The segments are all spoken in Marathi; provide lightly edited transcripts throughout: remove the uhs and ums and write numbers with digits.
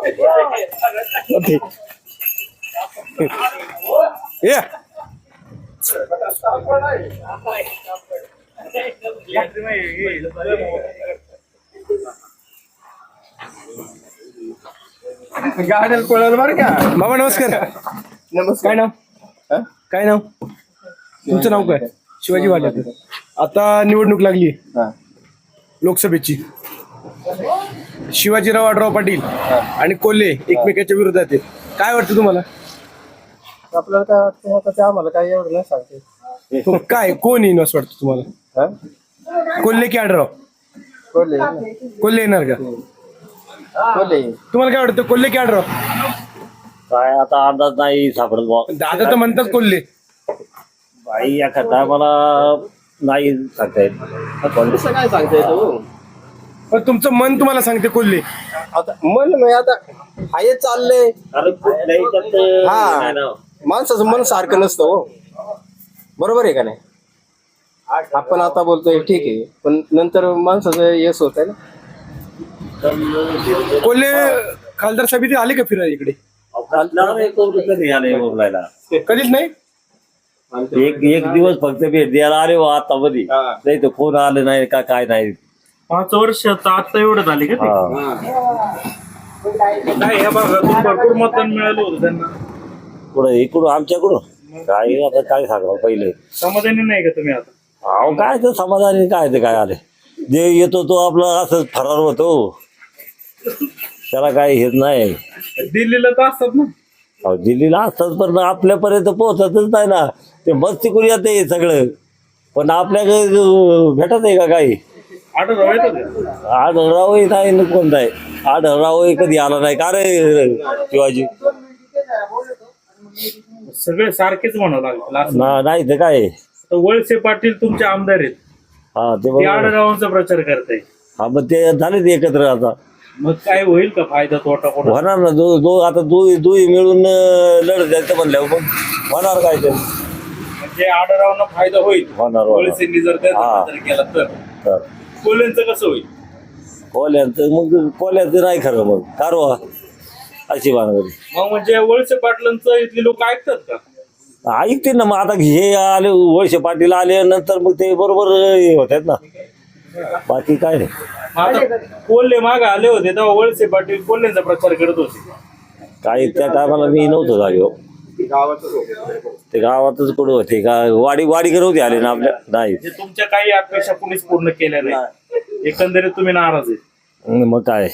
या गाड्याला पळाल बरं का. बाबा नमस्कार. नमस्कार. काय नाव? काय नाव तुमचं? नाव काय? शिवाजी वाटत. आता निवडणूक लागली लोकसभेची. शिवाजीराव आढराव पाटील आणि कोल्हे एकमेकाच्या विरोधात आहेत. काय वाटतं तुम्हाला? आपल्याला काय वाटतं आता ते आम्हाला काही एवढं नाही सांगते. काय कोण येईन असं वाटतं तुम्हाला? कोल्हे की आढराव? कोल्हे. कोल्हे येणार का? कोल्हे. तुम्हाला काय वाटतं, कोल्हे की आढराव? काय आता अंदाज नाही सापडत बा. दादा तर म्हणतात कोल्हे. बाई या खड्डा मला नाही सांगता येत. कसं काय सांगता येतो? पण तुमचं मन तुम्हाला सांगते कोल्हे. आता मन नाही, आता हाय चाललंय. हा, माणसाचं मन सारखं नसतं हो. बरोबर आहे का नाही? आपण आता बोलतोय ठीक आहे, पण नंतर माणसाचं यश होत आहे ना. कोल्हे खासदार समिती आले का फिरायला इकडे? कधीच नाही. एक दिवस फक्त भेट द्यायला आले वा आता मध्ये, नाही तर फोन आले नाही का काय नाही. 5 वर्ष आता एवढं झाले का काय ह्या भागातून भरपूर मतदान मिळालं होतं त्यांना. पुढं इकडून आमच्याकडून काय आता काय सांगा पहिले. समाधानी नाही का तुम्ही आता? अहो काय तर समाधानी काय ते काय आले. जे येतो तो आपला असंच फरार होतो, त्याला काय हेच नाही. दिल्लीला तर असतात ना. अहो दिल्लीला असतात पण आपल्यापर्यंत पोहोचतच नाही ना. ते मस्ती करू येते सगळं, पण आपल्याकडे भेटत आहे का काही? आढळराव येतात. आढळरावही नाही न कोणता आहे. आढळरावही कधी आला नाही का रे शिवाजी? सगळे सारखेच म्हणावं लागलं. नाही तर काय. वळसे पाटील तुमचे आमदार आहेत, हा ते ते बरोबर. आढळरावांचा प्रचार करताय. हा मग ते झाले ते एकत्र आता. मग काय होईल का फायदा तोटा कोणा? होणार ना. आता दुई मिळून लढत जायचं म्हणल्यावर मग होणार काय ते. म्हणजे आढळरावांना फायदा होईल होणार. वळसेंनी जर त्याचा प्रचार केला तर. तर कोल्ह्यांचं कसं होईल? कोल्यांचं मग कोल्यांचं नाही खरं मग कारवा अशी भानगडी. मग म्हणजे वळसे पाटलांचं इथले लोक ऐकतात का? ऐकते ना. मग आता हे आले वळसे पाटील आले नंतर मग ते बरोबर हे होतात ना. बाकी काय नाही. आता कोल्हे मागे आले होते तेव्हा वळसे पाटील कोल्ह्यांचा प्रचार करत होते. काही त्या टायमाला मी नव्हतो जागेवर. ते गावातच कुठं होते का वाडी होते आले ना आपल्या नाही. म्हणजे तुमच्या काही अपेक्षा कुणीच पूर्ण केल्या नाही, एकंदरीत तुम्ही नाराज आहे. मग काय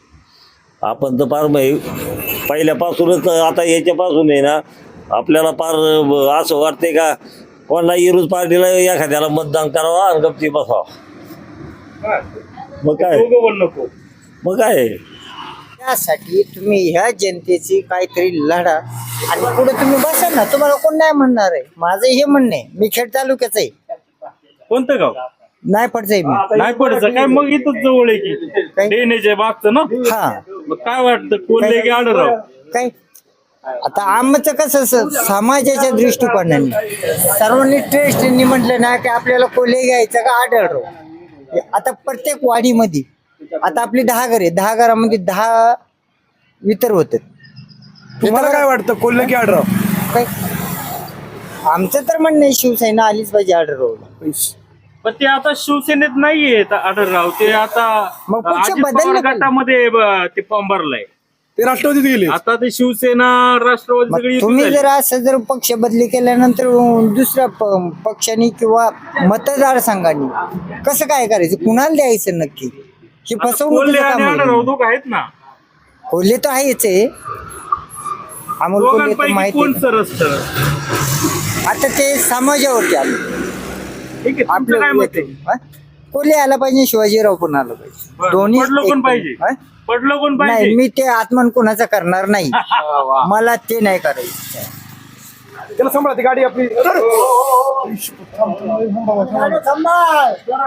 आपण तर फार पहिल्यापासूनच आता याच्यापासून आहे ना आपल्याला फार असं वाटतंय का कोणाला इरूज पार्टीला एखाद्याला मतदान करावं आणि गप्ती बसावं. मग काय नको. मग काय त्यासाठी तुम्ही ह्या जनतेची काहीतरी लढा आणि पुढे तुम्ही बसा ना. तुम्हाला कोण नाही म्हणणार आहे. माझं हे म्हणणं आहे. मी खेड तालुक्याचं आहे. कोणतं गाव? नाही पडचंय मी. नाही पडचं काय? मग इथंच जवळ आहे की डेनेच्या मागचं ना. हा, मग काय वाटतं कोल्हे की आढळराव? काय आता आमचं कसं समाजाच्या दृष्टिकोनाने सर्वांनी ट्रेस्टनी म्हटलं ना की आपल्याला कोल्हे घ्यायचं का आढळराव. आता प्रत्येक वाडीमध्ये आता आपली 10 घरे, 10 घरामध्ये 10 वितर होतात. तुम्हाला काय वाटतं, कोल्हे की आढराव? काय आमचं तर म्हणणं आहे शिवसेना आलीच पाहिजे आढळराव. पण ते आता शिवसेनेत नाहीये आढळराव. ते आता मग पक्ष अजित बदलले पवार गटामध्ये ते फॉर्म भरलाय. ते राष्ट्रवादीत गेले. आता ते शिवसेना राष्ट्रवादी सगळी मग तुम्ही जर असं जर पक्ष बदली केल्यानंतर दुसऱ्या पक्षाने किंवा मतदारसंघाने कसं काय करायचं, कुणाला द्यायचं नक्की? ही फसवणूक. कोल्हे आणि आढळराव दोघं आहेत ना. कोल्हे तर आहेच आहे. अमोल कोल्हे तर दोघांपैकी माहिती कोण आहे. सरस? आता ते समाजावरती आलं. ठीक आहे, तुमचं काय मत आहे? हा? कोल्हे आला पाहिजे, शिवाजीराव पण आला पाहिजे. पडलं कोण पाहिजे? हा? पडलं कोण नाही, पाहिजे? मी ते आत्मान कोणाचा करणार नाही. मला ते नाही करायचं. त्याला सांभाळा ती गाडी आपली.